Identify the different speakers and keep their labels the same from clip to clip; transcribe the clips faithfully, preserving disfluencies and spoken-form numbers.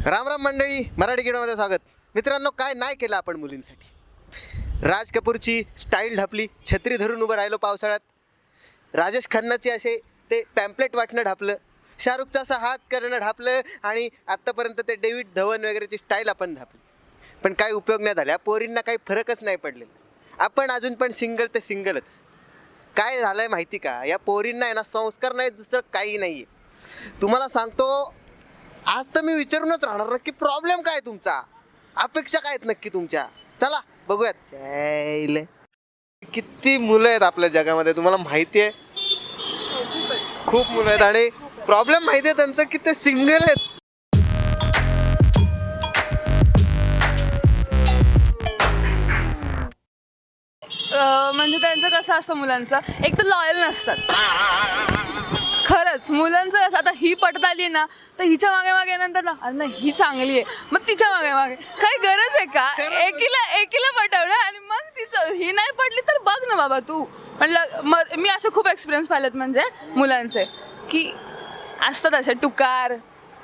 Speaker 1: राम राम मंडळी, मराठी किडोमध्ये स्वागत. मित्रांनो, काय नाही केलं आपण मुलींसाठी. राज कपूरची स्टाईल ढापली, छत्री धरून उभं राहिलो पावसाळ्यात. राजेश खन्नाची असे ते पॅम्पलेट वाटणं ढापलं, शाहरुखचा असा हात करणं ढापलं आणि आत्तापर्यंत ते डेव्हिड धवन वगैरेची स्टाईल आपण ढापली. पण काही उपयोग नाही झाला, पोरींना काही फरकच नाही पडलेला. आपण अजून पण सिंगल ते सिंगलच. काय झालं आहे माहिती का, या पोरींना आहे ना संस्कार नाही, दुसरं काही नाही आहे. तुम्हाला सांगतो, आज तर मी विचारूनच राहणार नक्की प्रॉब्लेम काय तुमचा, अपेक्षा काय आहेत नक्की तुमच्या. चला बघूयात. चायले किती मुलं आहेत आपल्या जगामध्ये, तुम्हाला माहिती आहे. खूप मुलं आहेत आणि प्रॉब्लेम माहिती आहे त्यांचं की ते सिंगल आहेत.
Speaker 2: म्हणजे त्यांचं कसं असतं, मुलांचं एक तर लॉयल नसतात. खरंच मुलांचं असं, आता ही पटत आली ना तर हिच्या मागे मागे नंतर ना, अरे नाही ही चांगली आहे, मग तिच्या मागे मागे. काही गरज आहे का एकीला एकीला पटवलं आणि मग तिचं ही नाही पटली तर बघ ना बाबा तू. म्हटलं मग मी असे खूप एक्सपिरियन्स पाहिलेत म्हणजे मुलांचे, की असतात असे टुकार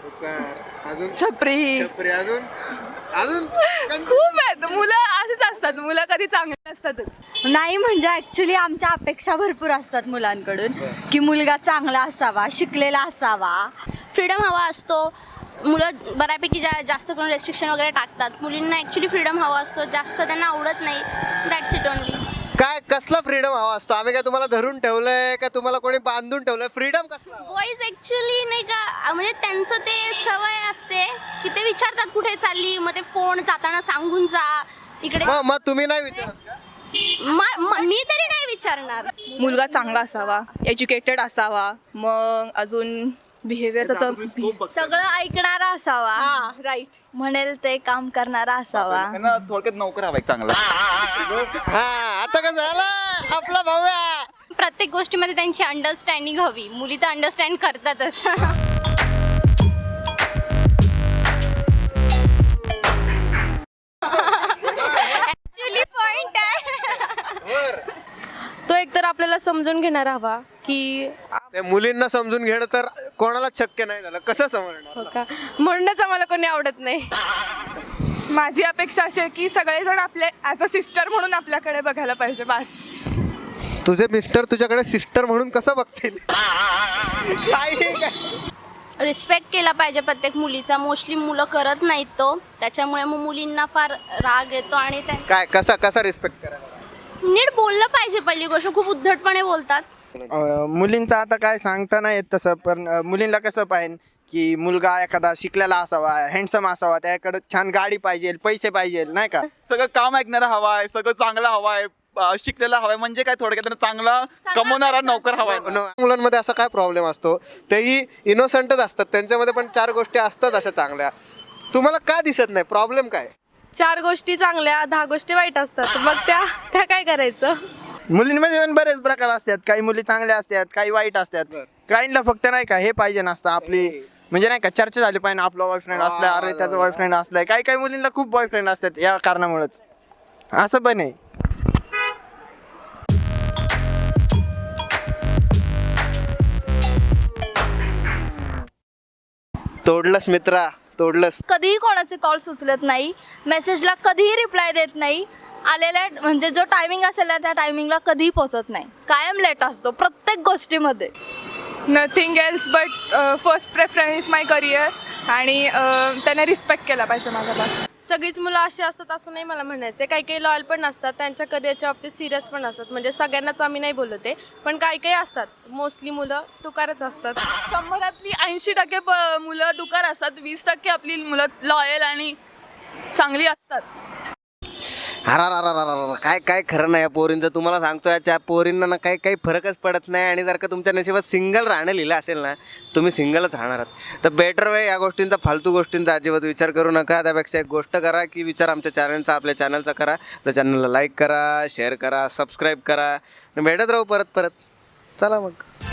Speaker 2: छपरी
Speaker 1: अजून अजून
Speaker 2: खूप आहेत मुलं. असेच असतात मुलं, कधी चांगली नसतातच.
Speaker 3: नाही म्हणजे ॲक्च्युली आमच्या अपेक्षा भरपूर असतात मुलांकडून, की मुलगा चांगला असावा, शिकलेला असावा,
Speaker 4: फ्रीडम हवा असतो. मुलं बऱ्यापैकी जा जास्त करून रेस्ट्रिक्शन वगैरे टाकतात. मुलींना ॲक्च्युली फ्रीडम हवा असतो, जास्त त्यांना आवडत नाही. That's it only.
Speaker 1: काय कसला फ्रीडम हवा असतो? आम्ही काय तुम्हाला धरून ठेवलंय का तुम्हाला कोणी बांधून ठेवलंय? फ्रीडम कसला?
Speaker 4: बॉईज ॲक्च्युली नाही का, म्हणजे त्यांचं ते सवय असते की ते विचारतात कुठे चालली, मग ते फोन जाताना सांगून जा इकडे.
Speaker 1: मग मग तुम्ही नाही विचारत का?
Speaker 4: म- म- मी तरी नाही विचारणार.
Speaker 2: मुलगा चांगला असावा, एज्युकेटेड असावा, मग अजून बिहेवियर त्याचं
Speaker 3: सगळं ऐकणारा असावा,
Speaker 2: राईट,
Speaker 3: म्हणेल ते काम करणारा असावा.
Speaker 5: त्यांना थोडक्यात नोकर हवा एक चांगला.
Speaker 1: हा, आता कसं झालं आपला भाऊ आहे.
Speaker 4: प्रत्येक गोष्टीमध्ये त्यांची अंडरस्टँडिंग हवी. मुली तर अंडरस्टँड करतातच. ॲक्च्युली पॉइंट आहे.
Speaker 2: तो एकतर आपल्याला समजून घेणार हवा की
Speaker 1: त्या मुलींना समजून घेणं तर कोणाला शक्य नाही झालं. कसं समजणार?
Speaker 2: का म्हणूनच आम्हाला कोणी आवडत नाही.
Speaker 6: माझी अपेक्षा अशी आहे की सगळेजण आपले ॲज अ सिस्टर म्हणून आपल्याकडे बघायला पाहिजे. बस.
Speaker 1: तुझे मिस्टर तुझ्याकडे सिस्टर म्हणून कसं बघतील? काय काय
Speaker 4: रिस्पेक्ट केला पाहिजे प्रत्येक मुलीचा. मोस्टली मुलं करत नाहीत तो, त्याच्यामुळे मग मुलींना फार राग येतो आणि त्या
Speaker 1: काय कसा कसा रिस्पेक्ट करायला?
Speaker 4: नीट बोललं पाहिजे. पहिली गोष्ट, खूप उद्धटपणे बोलतात.
Speaker 7: अ, मुलींचं आता काय सांगता नाही येत तसं, पण अ, मुलींना कसं पाहिजे की मुलगा एखादा शिकलेला असावा, हँडसम असावा, त्याकडे छान गाडी पाहिजे, पैसे पाहिजे, नाही का.
Speaker 5: सगळं काम ऐकणारा हवाय, सगळं चांगलं हवाय, अं, शिकलेला हवाय, म्हणजे काय थोडक्यात त्यांना चांगला कमवणारा नोकर हवाय.
Speaker 1: मुलांमध्ये असा काय प्रॉब्लेम असतो? तेही इनोसंटच असतात, त्यांच्यामध्ये पण चार गोष्टी असतात अशा चांगल्या. तुम्हाला का दिसत नाही? प्रॉब्लेम काय?
Speaker 2: चार गोष्टी चांगल्या, दहा गोष्टी वाईट असतात, मग त्या त्या काय करायचं?
Speaker 7: मुलींमध्ये पण बरेच प्रकार असतात. काही मुली चांगल्या असतात, काही वाईट असतात. काहींना फक्त नाही का हे पाहिजे नसतं, आपली म्हणजे नाही का चर्चा झाली पाहिजे, आपला बॉयफ्रेंड असलाय, अरे त्याचा बॉयफ्रेंड असलाय. काही काही मुलींना खूप बॉयफ्रेंड असतात, या कारणामुळेच असं पण आहे.
Speaker 1: तोडलंस मित्रा, तोडलंस.
Speaker 3: कधीही कोणाचे कॉल उचलत नाही, मेसेजला कधीही रिप्लाय देत नाही, आलेल्या म्हणजे जो टायमिंग असेल ना त्या टायमिंगला कधीही पोहोचत नाही, कायम लेट असतो प्रत्येक गोष्टीमध्ये.
Speaker 6: Nothing else but first preference is my career. आणि अं, त्याने रिस्पेक्ट केला पाहिजे माझा. बस.
Speaker 2: सगळीच मुलं अशी असतात असं नाही मला म्हणायचं. काही काही लॉयल पण असतात, त्यांच्या करिअरच्या बाबतीत सिरियस पण असतात. म्हणजे सगळ्यांनाच आम्ही नाही बोलत आहे, पण काही काही असतात. मोस्टली मुलं टुकारच असतात. शंभरातली ऐंशी टक्के प मुलं टुकार असतात, वीस टक्के आपली मुलं लॉयल आणि चांगली असतात.
Speaker 1: अरा काय काय खरं नाही या पोरींचं. तुम्हाला सांगतो, याच्या पोरींना ना काही काही फरकच पडत नाही. आणि जर का तुमच्या नशिबात सिंगल राहणं लिहिलं असेल ना, तुम्ही सिंगलच राहणार आहात. तर बेटर वे या गोष्टींचा, फालतू गोष्टींचा अजिबात विचार करू नका. त्यापेक्षा एक गोष्ट करा की विचार आमच्या चॅनलचा, आपल्या चॅनलचा करा. आपल्या चॅनलला लाईक करा, शेअर करा, सबस्क्राईब करा. भेटत राहू परत परत. चला मग.